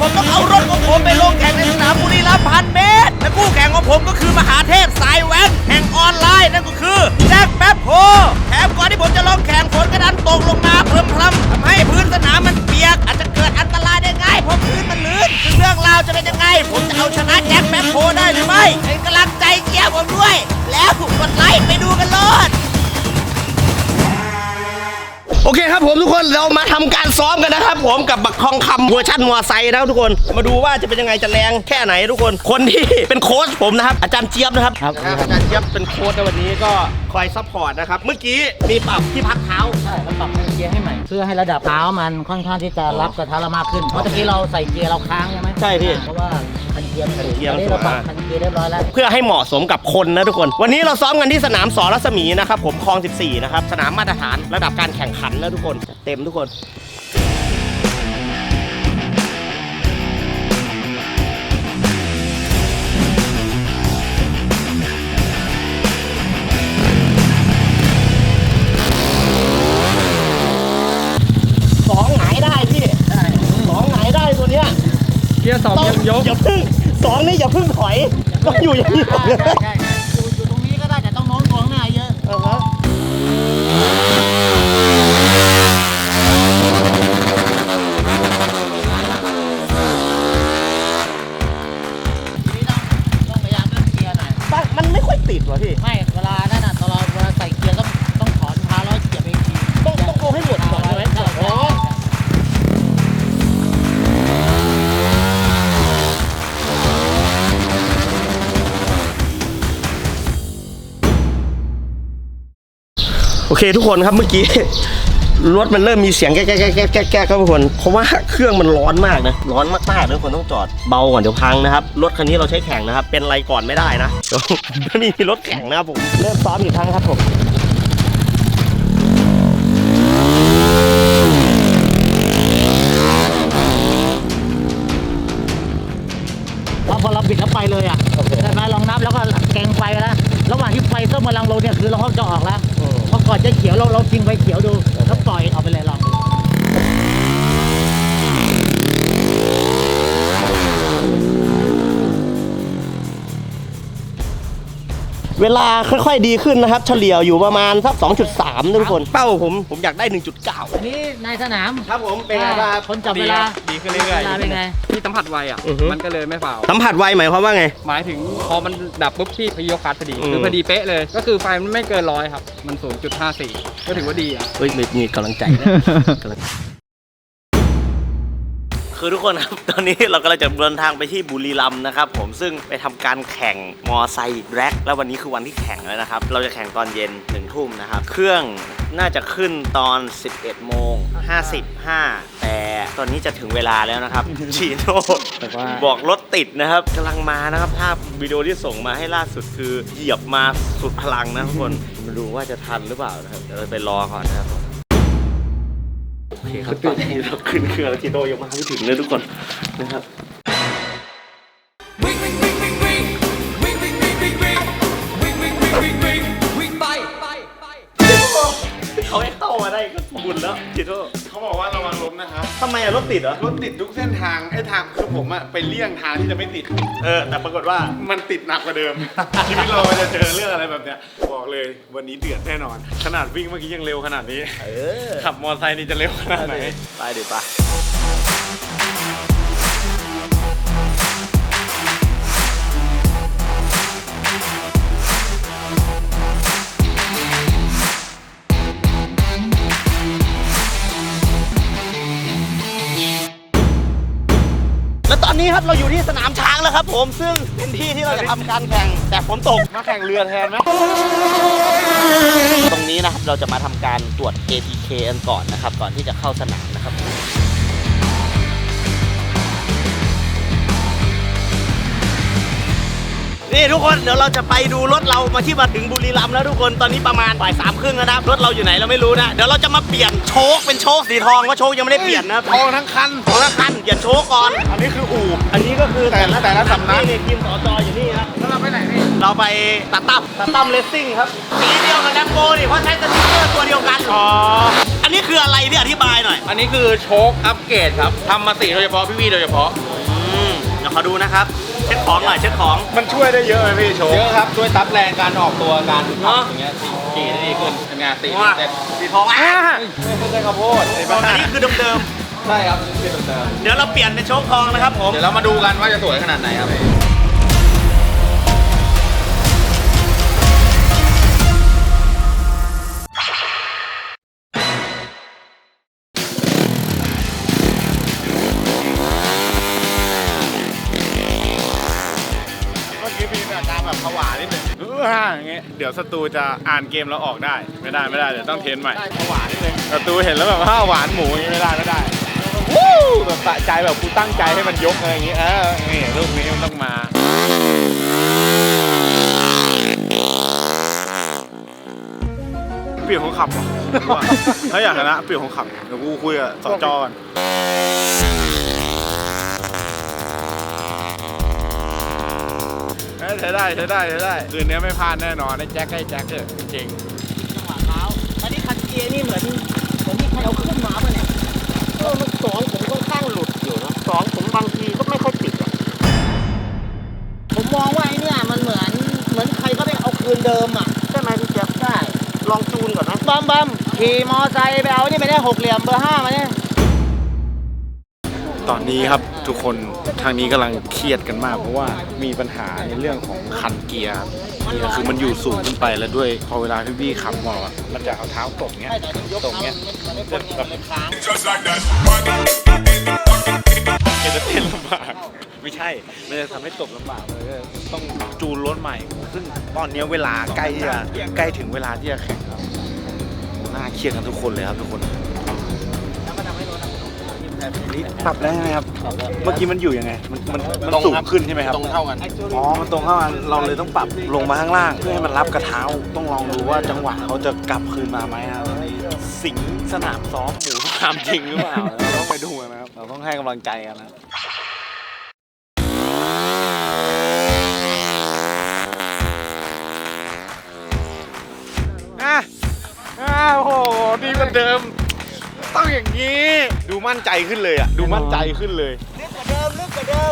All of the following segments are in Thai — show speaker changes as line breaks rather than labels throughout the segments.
ผมต้องเอารถของผมไปลงแข่งในสนามบุรีรัมย์พันเมตรและคู่แข่งของผมก็คือมหาเทพสายแว้นแห่งออนไลน์นั่นก็คือแจ็คแป๊บโฮแถมก่อนที่ผมจะลงแข่งฝนกระดันตกลงมาพรำๆทำให้พื้นสนามมันเปียกอาจจะเกิดอันตรายได้ง่ายเพราะพื้นมันลื่นซึ่งเรื่องราวจะเป็นยังไงผมจะเอาชนะแจ็คแป๊บโฮได้หรือไม่เป็นกำลังใจเชียร์ผมด้วยแล้วกดไลค์ไปดูกันเลยโอเคครับผมทุกคนเรามาทำการซ้อมกันนะครับผมกับบักทองคำเวอร์ชันมอไซค์นะครับทุกคนมาดูว่าจะเป็นยังไงจะแรงแค่ไหนทุกคนคนที่เป็นโค้ชผมนะครับอาจารย์เจี๊ยบนะครับอาจารย์เจี๊ยบเป็นโค้ชในวันนี้ก็คอยซัพพอร์ตนะครับเมื่อกี้มีปรับที่พักเท้า
ใช่เราปรับเกียร์ให้ใหม่เพื่อให้ระดับเท้ามันค่อนข้างที่จะรับกระทะเรามากขึ้นเพราะตะกี้เราใส่เกียร์เราค้างใช่ไหม
ใช่พี่
เพราะว่าคันเกียร์เราปรับคันเกียร์เรียบร้อยแล้ว
เพื่อให้เหมาะสมกับคนนะทุกคนวันนี้เราซ้อมกันที่สนามส.รัศมีนะครับผมคลอง 14นะครับสนามมาตรฐานระดับการแข่งขันนะทุกคนเต็มทุกคนสองหงายได้พี่สองหงายได้ตัวเนี้ย
เกียร์สองยก
อย่าพึ่งสองนี่อย่าพึ่งถอยต้องอยู่อย่างนี้
ใช่อยู่ตรงนี้ก็ได้แต่ต้องโน้มตัวข้างหน้าเยอะ
มันไม่ค่อยติดว่ะพี่
ไม่เวลานั่นน่ะตอนเราใส่เกียร์ต้องถอนเท้าแล้วเหยียบเองที
ต้องเอาให้หมดก่อนใช่ไหมโอเคทุกคนครับเมื่อกี้รถมันเริ่มมีเสียงแก๊กครับทุกคนเพราะว่าเครื่องมันร้อนมากนะร้อนมากๆทุกคนต้องจอดเบาก่อนเดี๋ยวพังนะครับรถคันนี้เราใช้แข่งนะครับเป็นอะไรก่อนไม่ได้นะเดี๋ยวนี่รถแข่งนะครับผมเริ่มซ้อมอีกครั้งครับผม
พอเราบิดแล้วไปเลยอ่ะแต่มาลองนับแล้วก็แกงไฟแล้วระหว่างที่ไฟส้มกำลังลงเนี่ยคือเราเขาจะออกแล้วพอก่อนจะเขียวเราทิ้งไฟเขียวดูแล้วปล่อยออกไปเลยลอง
เวลาค่อยๆดีขึ้นนะครับเฉลี่ยอยู่ประมาณสัก 2.3 ทุกคนเป้าผมอยากได้ 1.9
อันนี้ในสนาม
ครับผมเป็นไงบ้าง
คนจับเวลา
ดีขึ้นเรื่อย
ๆเป็นไง
ที่สัมผัสไวอ่ะมันก็เลยไม่ฝ่า
สัมผัสไวหมายความว่าไง
หมายถึงพอมันดับปุ๊บที่พยกคัสพอดีคือพอดีเป๊ะเลยก็คือไฟมันไม่เกิน100ครับมัน 0.54 ก็ถือว่าดีอ่ะ
เฮ้ยมีกำลังใจนะคือทุกคนครับตอนนี้เรากำลังจะเดินทางไปที่บุรีรัมย์นะครับผมซึ่งไปทำการแข่งมอไซค์แร็กแล้ววันนี้คือวันที่แข่งแล้วนะครับเราจะแข่งตอนเย็น1 ทุ่มนะครับเครื่องน่าจะขึ้นตอน 11:55แต่ตอนนี้จะถึงเวลาแล้วนะครับชีโน่บอกรถติดนะครับกำลังมานะครับภาพวิดีโอที่ส่งมาให้ล่าสุดคือเหยียบมาสุดพลังนะทุกคนมาดูว่าจะทันหรือเปล่านะครับเดี๋ยวเราไปรอก่อนนะครับโอเคครับตอนนี้เราขึ้นเครื่องแล้วทีโดยังมาไม่ถึงเลยทุกคนนะครับเขาให้เข้ามาได้ก็บุญแล้วทีโด
เขาบอกว่าระวังล้มนะครับ
ทำไมรถติดเหรอ
รถติดทุกเส้นทางทางคือผมไปเลี่ยงทางที่จะไม่ติด
แต่ปรากฏว่า
มันติดหนักกว่าเดิมชีวิตเราจะเจอเรื่องอะไรแบบเนี้ยบอกเลยวันนี้เดือดแน่นอนขนาดวิ่งเมื่อกี้ยังเร็วขนาดนี้ขับมอเตอร์ไซค์นี่จะเร็วขนาดไหน
ไปดิป่ะตอนนี้ครับเราอยู่ที่สนามช้างแล้วครับผมซึ่งเป็นที่ที่เราจะทำการแข่งแต่ฝนตก
มาแข่งเรือแทนไหม
ตรงนี้นะครับเราจะมาทำการตรวจ ATK กันก่อนนะครับก่อนที่จะเข้าสนามนะครับ นี่ทุกคนเดี๋ยวเราจะไปดูรถเรามาที่มาถึงบุรีรัมย์แล้วทุกคนตอนนี้ประมาณบ่าย 3:30แล้วนะรถเราอยู่ไหนเราไม่รู้นะเดี๋ยวเราจะมาเปลี่ยนโชคเป็นโชคสีทองเพราะโชคยังไม่ได้เปลี่ยนนะ
ทองทั้งคัน
เปลี่ยนโชคก่อน
อันนี้คืออู่
อันนี้ก็คือ
แต่ละสำนัก
นี่ทีมสจอยู่นี่นะ
แล้วเราไปไหนนี่
เราไปตัดตั้มเลสซิ่งครับสีเดียวกับแลมโบนี่เพราะใช้สติ๊กเกอร์ตัวเดียวกันอันนี้คืออะไรที่อธิบายหน่อย
อันนี้คือโชคอัปเกรดครับทำมาสีโดยเฉพาะพี่โดยเฉพาะ
เดี๋ยวขอดูนะครับเช็คของหน่อยเช็คของ
มันช่วยได้เยอะไหมพี่โชว์
เยอะครับช่วยซับแรงการออกตัวการ
เนอะ
อย่างเงี้ยขี่ได้ดีขึ้นทำงานตี
ว่า
เต็ม
สีทองอ่ะ
ไม่ใช่ข้าวโพดไอ้
อั
บ้าน
นี้คือเดิม
ใช่ครับเป็นเดิม
ๆเดี๋ยวเราเปลี่ยนเป็นโชคทองนะครับผม
เดี๋ยวเรามาดูกันว่าจะสวยขนาดไหนครับ
เมื่อกี้มีอาการแบบผวานิดนึงอย่างเงี้ยเดี๋ยวศัตรูจะอ่านเกมเราออกได้ไม่ได้เดี๋ยวต้องเทรนใหม่ผวานิดนึงศัตรูเห็นแล้วแบบว่าหวานหมูอย่างงี้ไม่ได้วู้แบบสะใจแบบกูตั้งใจให้มันยกอะไรอย่างงี้นี่ลูกนี้มันต้องมาเปลี่ยนคนขับว่ะถ้าอยากชนะเปลี่ยนคนขับเดี๋ยวกูคุยกับสจก่อนใช้ได้คืนนี้ไม่พลาดแน่นอนได้แจ็คเถอะจริง
จังหวะเท้าอันนี้คันเกียร์นี่เหมือนที่ใครเอาขึ้นมาป่ะเนี่ยมันสองผมค่อนข้างหลุดอยู่นะสองผมบางทีก็ไม่ค่อยติดอ่ะผมมองว่าไอ้เนี่ยมันเหมือนใครก็ได้เอาคืนเดิมอ่ะใช่ไหมพี่เจี๊ยบใช่ลองจูนก่อนนะบัมขี่มอไซค์ไปเอานี่ไม่ได้6เหลี่ยมเบอร์ 5มาเนี่ย
ตอนนี้ครับทุกคนทางนี้กำลังเครียดกันมากเพราะว่ามีปัญหาในเรื่องของคันเกียร์ครับเกียร์คือมันอยู่สูงขึ้นไปแล้วด้วยพอเวลาพี่บี้ขับบอกมันจะเอาเท้าตกเงี้ยตกเงี้ยแบบจะเต้นลำบากไม่ใช่มันจะทำให้ตกลำบากเลยต้องจูนรถใหม่ซึ่งตอนนี้เวลาใกล้ถึงเวลาที่จะแข่งครับน่าเครียดกันทุกคนเลยครับทุกคนปรับได้ไหมครับเมื่อกี้มันอยู่ยังไงมันสูงขึ้นใช่ไหมครับ
ตรงเท่ากัน
อ๋อ มันตรงเข้ามาเราเลยต้องปรับลงมาข้างล่างเพื่อให้มันรับกระเท้า ต้องลองดูว่าจังหวะเขาจะกลับคืนมาไหมครับสิงสนามซ้อมหมูสนามจริงหรือเปล่าเราต้องไปดูนะครับ เราต้องให้กำลังใจกันนะโอ้โห ดีกว่าเดิม ต้องอย่างนี้ ดูมั่นใจขึ้นเลยอ่ะ ดูมั่นใจขึ้นเลย
ลึกกว่าเดิมลึกกว่าเดิม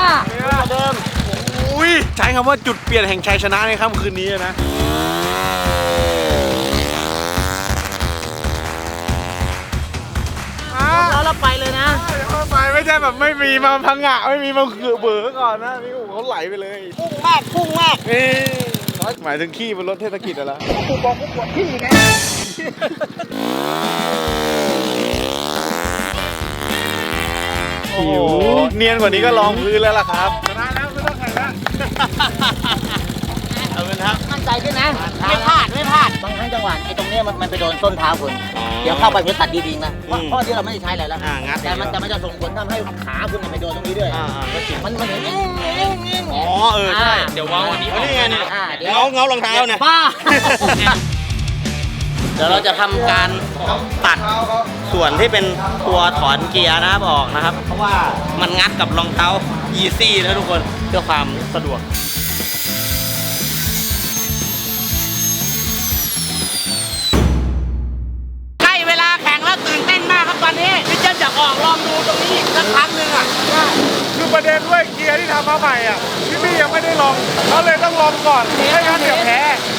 อุ้ยใช้คำว่าจุดเปลี่ยนแห่งชัยชนะในค่ำคืนนี้นะ
เราไปเลยนะ
ไปไม่ใช่แบบไม่มีมาพังงะไม่มีมาคือเบอร์ก่อนนะนี่เขาไหลไปเลย
พุ่งมาก
นี่หมายถึงขี้บนรถเทศกิจอะไร
กูบอกกูปวดที่ไง
โอ้โหเนียนกว่านี้ก็ลองพื้นแล้วล่ะครับชนะแล้วไม่ต้องแข่งแล้ว
เอาเงินครับ
มั่นใจขึ้นนะไม่พลาดบางครั้งจังหวะไอ้ตรงเนี้ยมันไปโดนส้นเท้าคุณเดี๋ยวเข้าไปมันตัดดีๆนะเพราะที่เราไม่ได้ใช้อะไรแล้ว
งัด
แต่มันจะส่งผลทำให้ขาคุณไปโดนตรงนี้ด้วยมันเห็น
อ๋อใช่เดี๋ยวเว้าอันนี้นี่ไงเนี่ย
เดี๋ยว
เงารองเท้าเนี่ย
บ้า
เดี๋ยวเราจะทำการตัดส่วนที่เป็นตัวถอนเกียร์นะครับออกนะครับ เพราะว่ามันงัดกับรองเท้า Yeezy นะทุกคนเพื่อความสะดวกใกล้เวลาแข่งแล้วตื่นเต้นมากครับตอนนี้พี่เจนอยากออกลองดูตรงนี้อีกสักครั้งหนึ่งอ่ะ
คือประเด็นด้วยเกียร์ที่ทำมาใหม่อ่ะพี่ยังไม่ได้ลองเขาเลยต้องลองก่อนไม่งั้นเดี๋ยวแพ้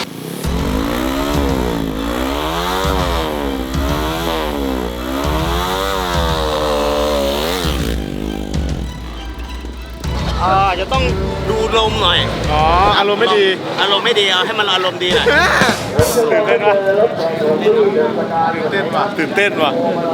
จะต้องดูลมหน่อย
อ๋ออารมณ์ไม่ดี
อารมณ์ไม่ดีเอาให้มันอารมณ์ดีหน่อย
ตื่นเต้นว่ะตื่นเต้นว่ะ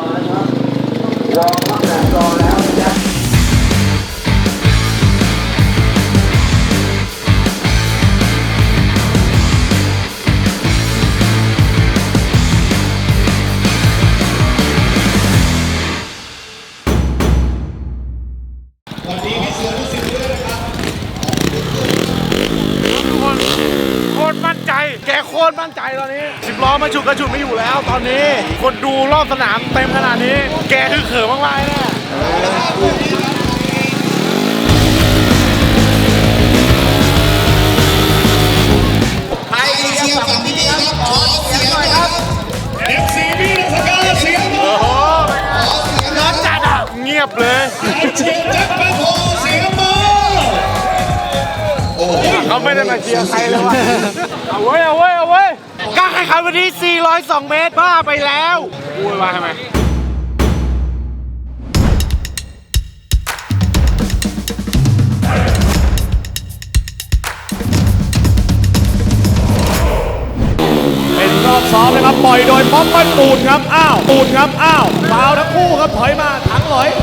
โคตรมั่นใจ แกโคตรมั่นใจตอนนี้10 ล้อมาฉุกกระฉุดไม่อยู่แล้วตอนนี้ คนดูรอบสนามเต็มขนาดนี้ แกคือเขิมมากๆแน่
ใครเชียร์ฝั่งนี้ครับขอเสียงหน่อยครับ
FC พี่สกาเสียงโอ้โหร้อนจัดอ่ะเงียบเลย
เชียร์แจ็คแป๊บโฮเสียง
เขาไม่ได้มาเชียร์ใครเลยวะเอาเว้ยการแข่งขันวันที่402 เมตรบ้าไปแล้วพูดมาทำไม
เป็นรอบซ้อมนะครับปล่อยโดยป๊อปปั้นปูนครับปูนครับฟาวทั้งคู่ครับถอยมาถังหลอย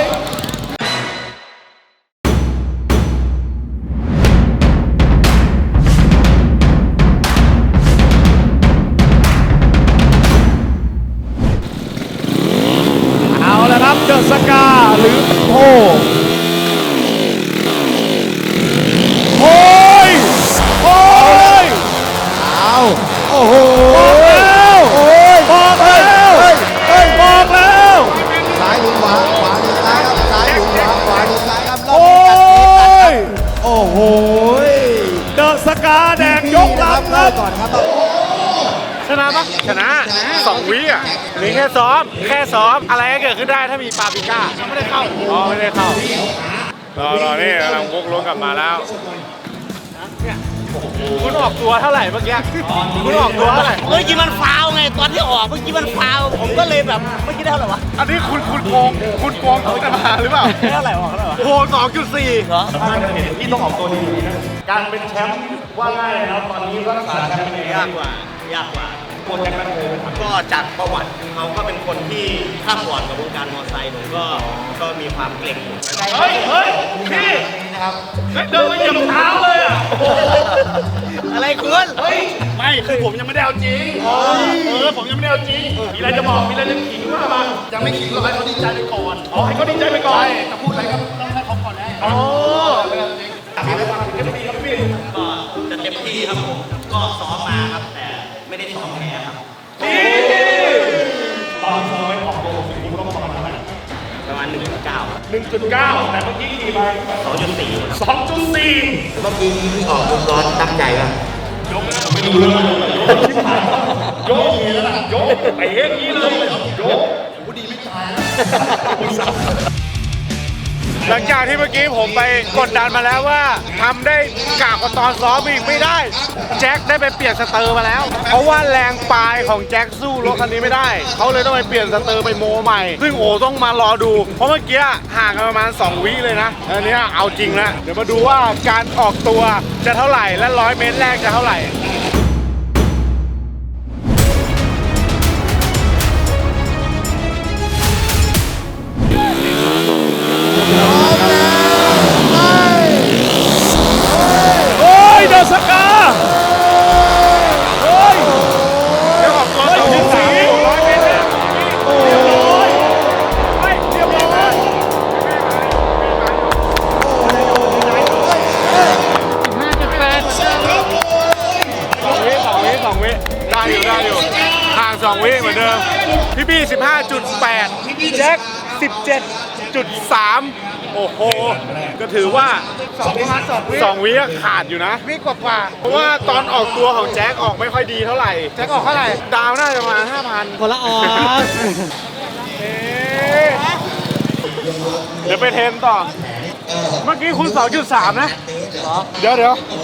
เอาแล้วครับเดอะสกาหรือโอ้โอ้ยโอ้โหบอกแล้ว
ซ้ายหรือขวาหรือซ้ายครับซ้ายหรือขวาหรือซ้ายครับรอบ
โอ้
นี้
ย
โอ้โห
เดอะสกาแดงยกลำครับ
ก่อนครับ
ชนะปะชนะ2 วิอ่ะนี่แค่ซ้อมอะไรก็เกิดขึ้นได้ถ้ามีปาปริก้าไม่ได้เข้าไม่ได้เข้ารอนี่กำลังวกล้วงกลับมาแล้วคุณออกตัวเท่าไหร่เมื่อกี้คุณออกตัวเท่าไหร่
เมื่อกี้มันฟาวไงตอนที่ออกเมื่อกี้มันฟาวผมก็เลยแบบเมื่อกี้ได้เท่าไหร่วะ
อันนี้คุณโกงเขาจะมาหรือเปล่า
ได้เท่าไหร่วะเท่าไหร่วะ
โอ้โห 2.4
เหรอ
การเป็นแชมป์ว่าง่ายนะครับตอนนี้รักษาแชมป์
ยากกว่าก็จากประวัติเขาก็เป็นคนที่ข้ามก่อนกับวงการมอเตอร์ไซค์ผมก็มีความเกรง
เฮ้ยพี่เดินมาเหยียบเท้าเลยอ่ะ
อะไรคุณ
ไม่คือผมยังไม่ได้เอาจริงผมยังไม่ได้เอาจริงมีอะไรจะบอกมีอะไรจะขิงว่ามายังไม่ขิงหรอกให้เขาดีใจไปก่อนให้เขาดีใจไปก่อนจะพูดอะไรก็ต้องให้เขาก่อนแน่อ๋อ
ก็จะเต็มที่ครับผมก็ซ้อมมาครับแต่ไม่ได้ซ้อมแพ้ครับ
ตอนซ้อมออกตัวผมต้องประมาณเท่าไหร่
ประมาณ 1.9
1.9 แต่เมื่อกี้ขี่ไป
2.4
2.4
เมื่อกี้ที่ออกวงล้อตั้งใจป่ะ
ยกอย่างนี้แล้วล่ะยกไปอย่างนี้เลยยก
หลังจากที่เมื่อกี้ผมไปกดดันมาแล้วว่าทำได้กากกว่าตอนซ้อมอีกไม่ได้ แจ็คได้ไปเปลี่ยนสเตอร์มาแล้ว เพราะว่าแรงปลายของแจ็คสู้รถคันนี้ไม่ได้ เขาเลยต้องไปเปลี่ยนสเตอร์ไปโมใหม่ ซึ่งโอต้องมารอดู เพราะเมื่อกี้ห่างกันประมาณ2 วิเลยนะอันนี้เอาจริงแล้วเดี๋ยวมาดูว่าการออกตัวจะเท่าไหร่และ100 เมตรแรกจะเท่าไหร่
โอ้ยเดอะสกาโอ้ย
เดี๋ยวออกตัว2.4 100 เมตรแรก
โอ้ยไม่เรียบร้อย
2 วิได้อยู่ห่าง2 วิเหมือนเดิมพี่บี้ 15.8 แจ็ค 17.3 โอ้โห ก็ถือว่า2 วิขาดอยู่นะวิกว่าเพราะว่าตอนออกตัวของแจ็คออกไม่ค่อยดีเท่าไหร่แจ็คออกเท่าไหร่ดาวน่าจะประมาณ 5,000
คนละออก
เดี๋ยวไปเทรนต่อ เมื่อกี้คุณ 2.3 นะ เดี๋ยว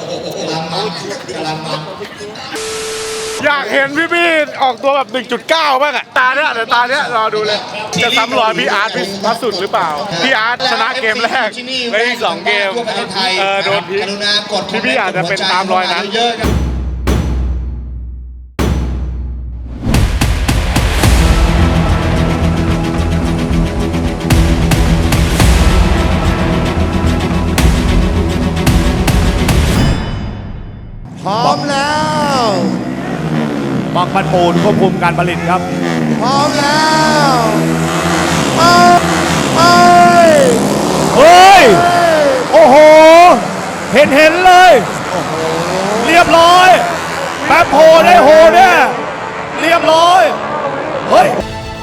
อยากเห็นพี่บี้ออกตัวแบบ 1.9 บ้างอะตาเนี้ยรอดูเลย จะซ้ำรอยพี่อาร์ตพัสสุดหรือเปล่า พี่อาร์ตชนะเกมแรกและอีก2 เกมโดนพี่บี้อาจจะเป็นตามรอยนั้น
พร้อมแล้ว
บางพันปูนควบคุมการผลิตครับ
พร้อมแล้วไป
เฮ้ย โอ้โห เห็นเลย เรียบร้อย แป๊บโหได้โหแน่เรียบร้อย เฮ้ย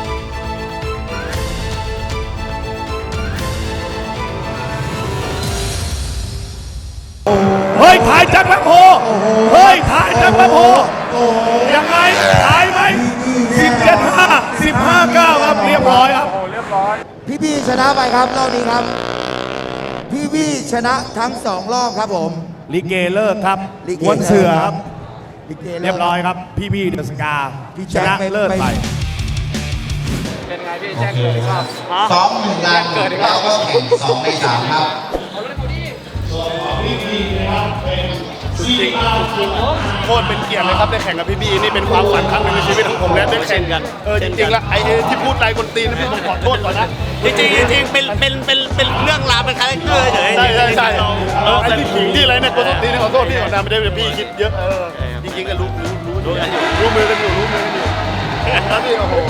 เฮ้ย ถ่ายจากแป๊บโหเฮ้ย ถ่ายจากแป๊บโหยังไง ถ่ายไหม17-5 15-9 ครับ เรียบร้อยครับ
พี่บี้ชนะไปครับรอบนี้ครับ พี่บี้ชนะทั้ง2 รอบครับผม
ลิเกเลิกครับ
ลิเก
ม้วนเสือ
ครับ ลิเก
เรียบร้อยครับ พี่เดอะสกา
พี่
ช
แจ็ค
นะ
ไป
เลิศไป
เป็นไงพี่แจ้งเกิดอีกรอบ
ซ้อม1 ลันแล้วก็แข่ง2 ใน 3 ครับ
โคตรเป็นเกียรติเลยครับได้แข่งกับพี่บี้นี่เป็นความฝันครั้งหนึ่งในชีวิตของผมและได้แข่งกันจริงๆแล้วไอ้ที่พูดนายคนตีนพี่ผมขอโทษก่อนนะ
จริงๆเป็นเรื่องราวเป็นคาแรคเตอร์เฉย
ใช่ไอ้ที่ขิงที่อะไรเนี่ยคนตีนขอโทษพี่ก่อนนะไม่ได้พี่คิดเยอะจริงๆก็รู้มือกันอยู่แล้วพี่โอ้โห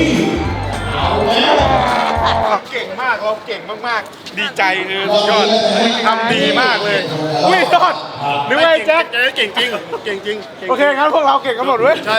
เก่งมากเราเก่งมากๆดีใจคือสุดยอดทำดีมากเลยอุ้ยยอดนึกว่าแจ็คเก่งจริงเก่งจริงโอเคงั้นพวกเราเก่งกันหมดเว้ยใช่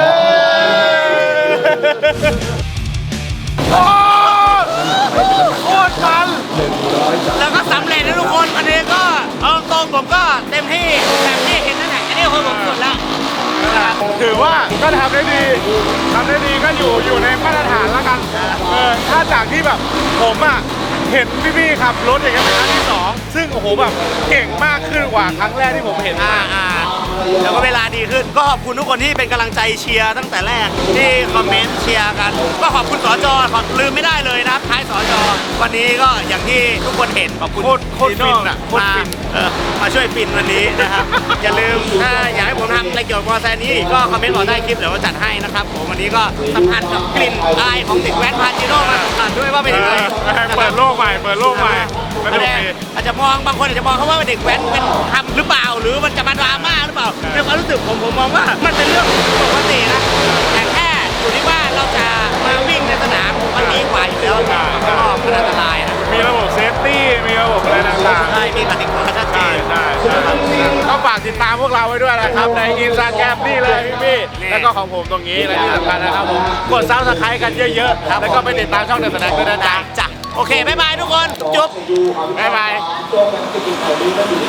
โคตรมัน
ๆแล้วก็สำเร็จนะทุกคนวันนี้ก็เอาตรงผมก็เต็มที่แบบที่เห็นนั่นแหละอันนี้คือผมสุดแล้ว
ถือว่าก็ทำได้ดีก็อยู่ในมาตรฐานแล้วกันถ้าจากที่แบบผมเห็นพี่ๆขับรถอย่างเงี้ยเป็นครั้งที่ 2ซึ่งโอ้โหแบบเก่งมากขึ้นกว่าครั้งแรกที่ผมเห็น
แล้วก็เวลาดีขึ้นก็ขอบคุณทุกคนที่เป็นกำลังใจเชียร์ตั้งแต่แรกที่คอมเมนต์เชียร์กันก็ขอบคุณสจลืมไม่ได้เลยนะครับท้ายสจวันนี้ก็อย่างที่ทุกคนเห็นขอบคุณ
โคตรฟินโคตรฟิน
มาช่วยฟินวันนี้นะครับ อย่าลืมถ้าอยากให้ผมทำอะไรเกี่ยวกับมอเตอร์ไซค์นี้ก็คอมเมนต์บอกได้คลิปเดี๋ยวเราจัดให้นะครับผมวันนี้ก็สัมพันธ์กับกลิ่นอายของเด็กแว้นพาจิโร่มาสัมผัสด้วยว่าเป็นยังไง
เปิดโลกใหม่สนุกดี
อาจจะมองบางคนอาจจะมองเขาว่าเด็กแว้นเป็นทำหรือเปล่าหรือมันจะมาดราม่าหรือเปล่าในความรู้สึกผมมองว่ามันเป็นเรื่องปกตินะแต่แค่อยู่ที่ว่าเราจะมาวิ่งในสนามมันดีกว่าอยู่แล้วก็มันอันตรายนะ
มีระบบเซฟตี้มีระบบอะไรต่างๆ
ใช่มีกติกาชัดเจน
ก็ฝากติดตามพวกเราไว้ด้วยนะครับในอินสตาแกรมนี่เลยพี่ๆแล้วก็ของผมตรงนี้และที่สำคัญนะครับผมกดซับสไครต์กันเยอะๆแล้วก็ไปติดตามช่องเดอะสแน็คด้วยนะจ๊ะ
จ้ะโอเคบ๊ายบายทุกคนจุ๊บ
บ๊ายบาย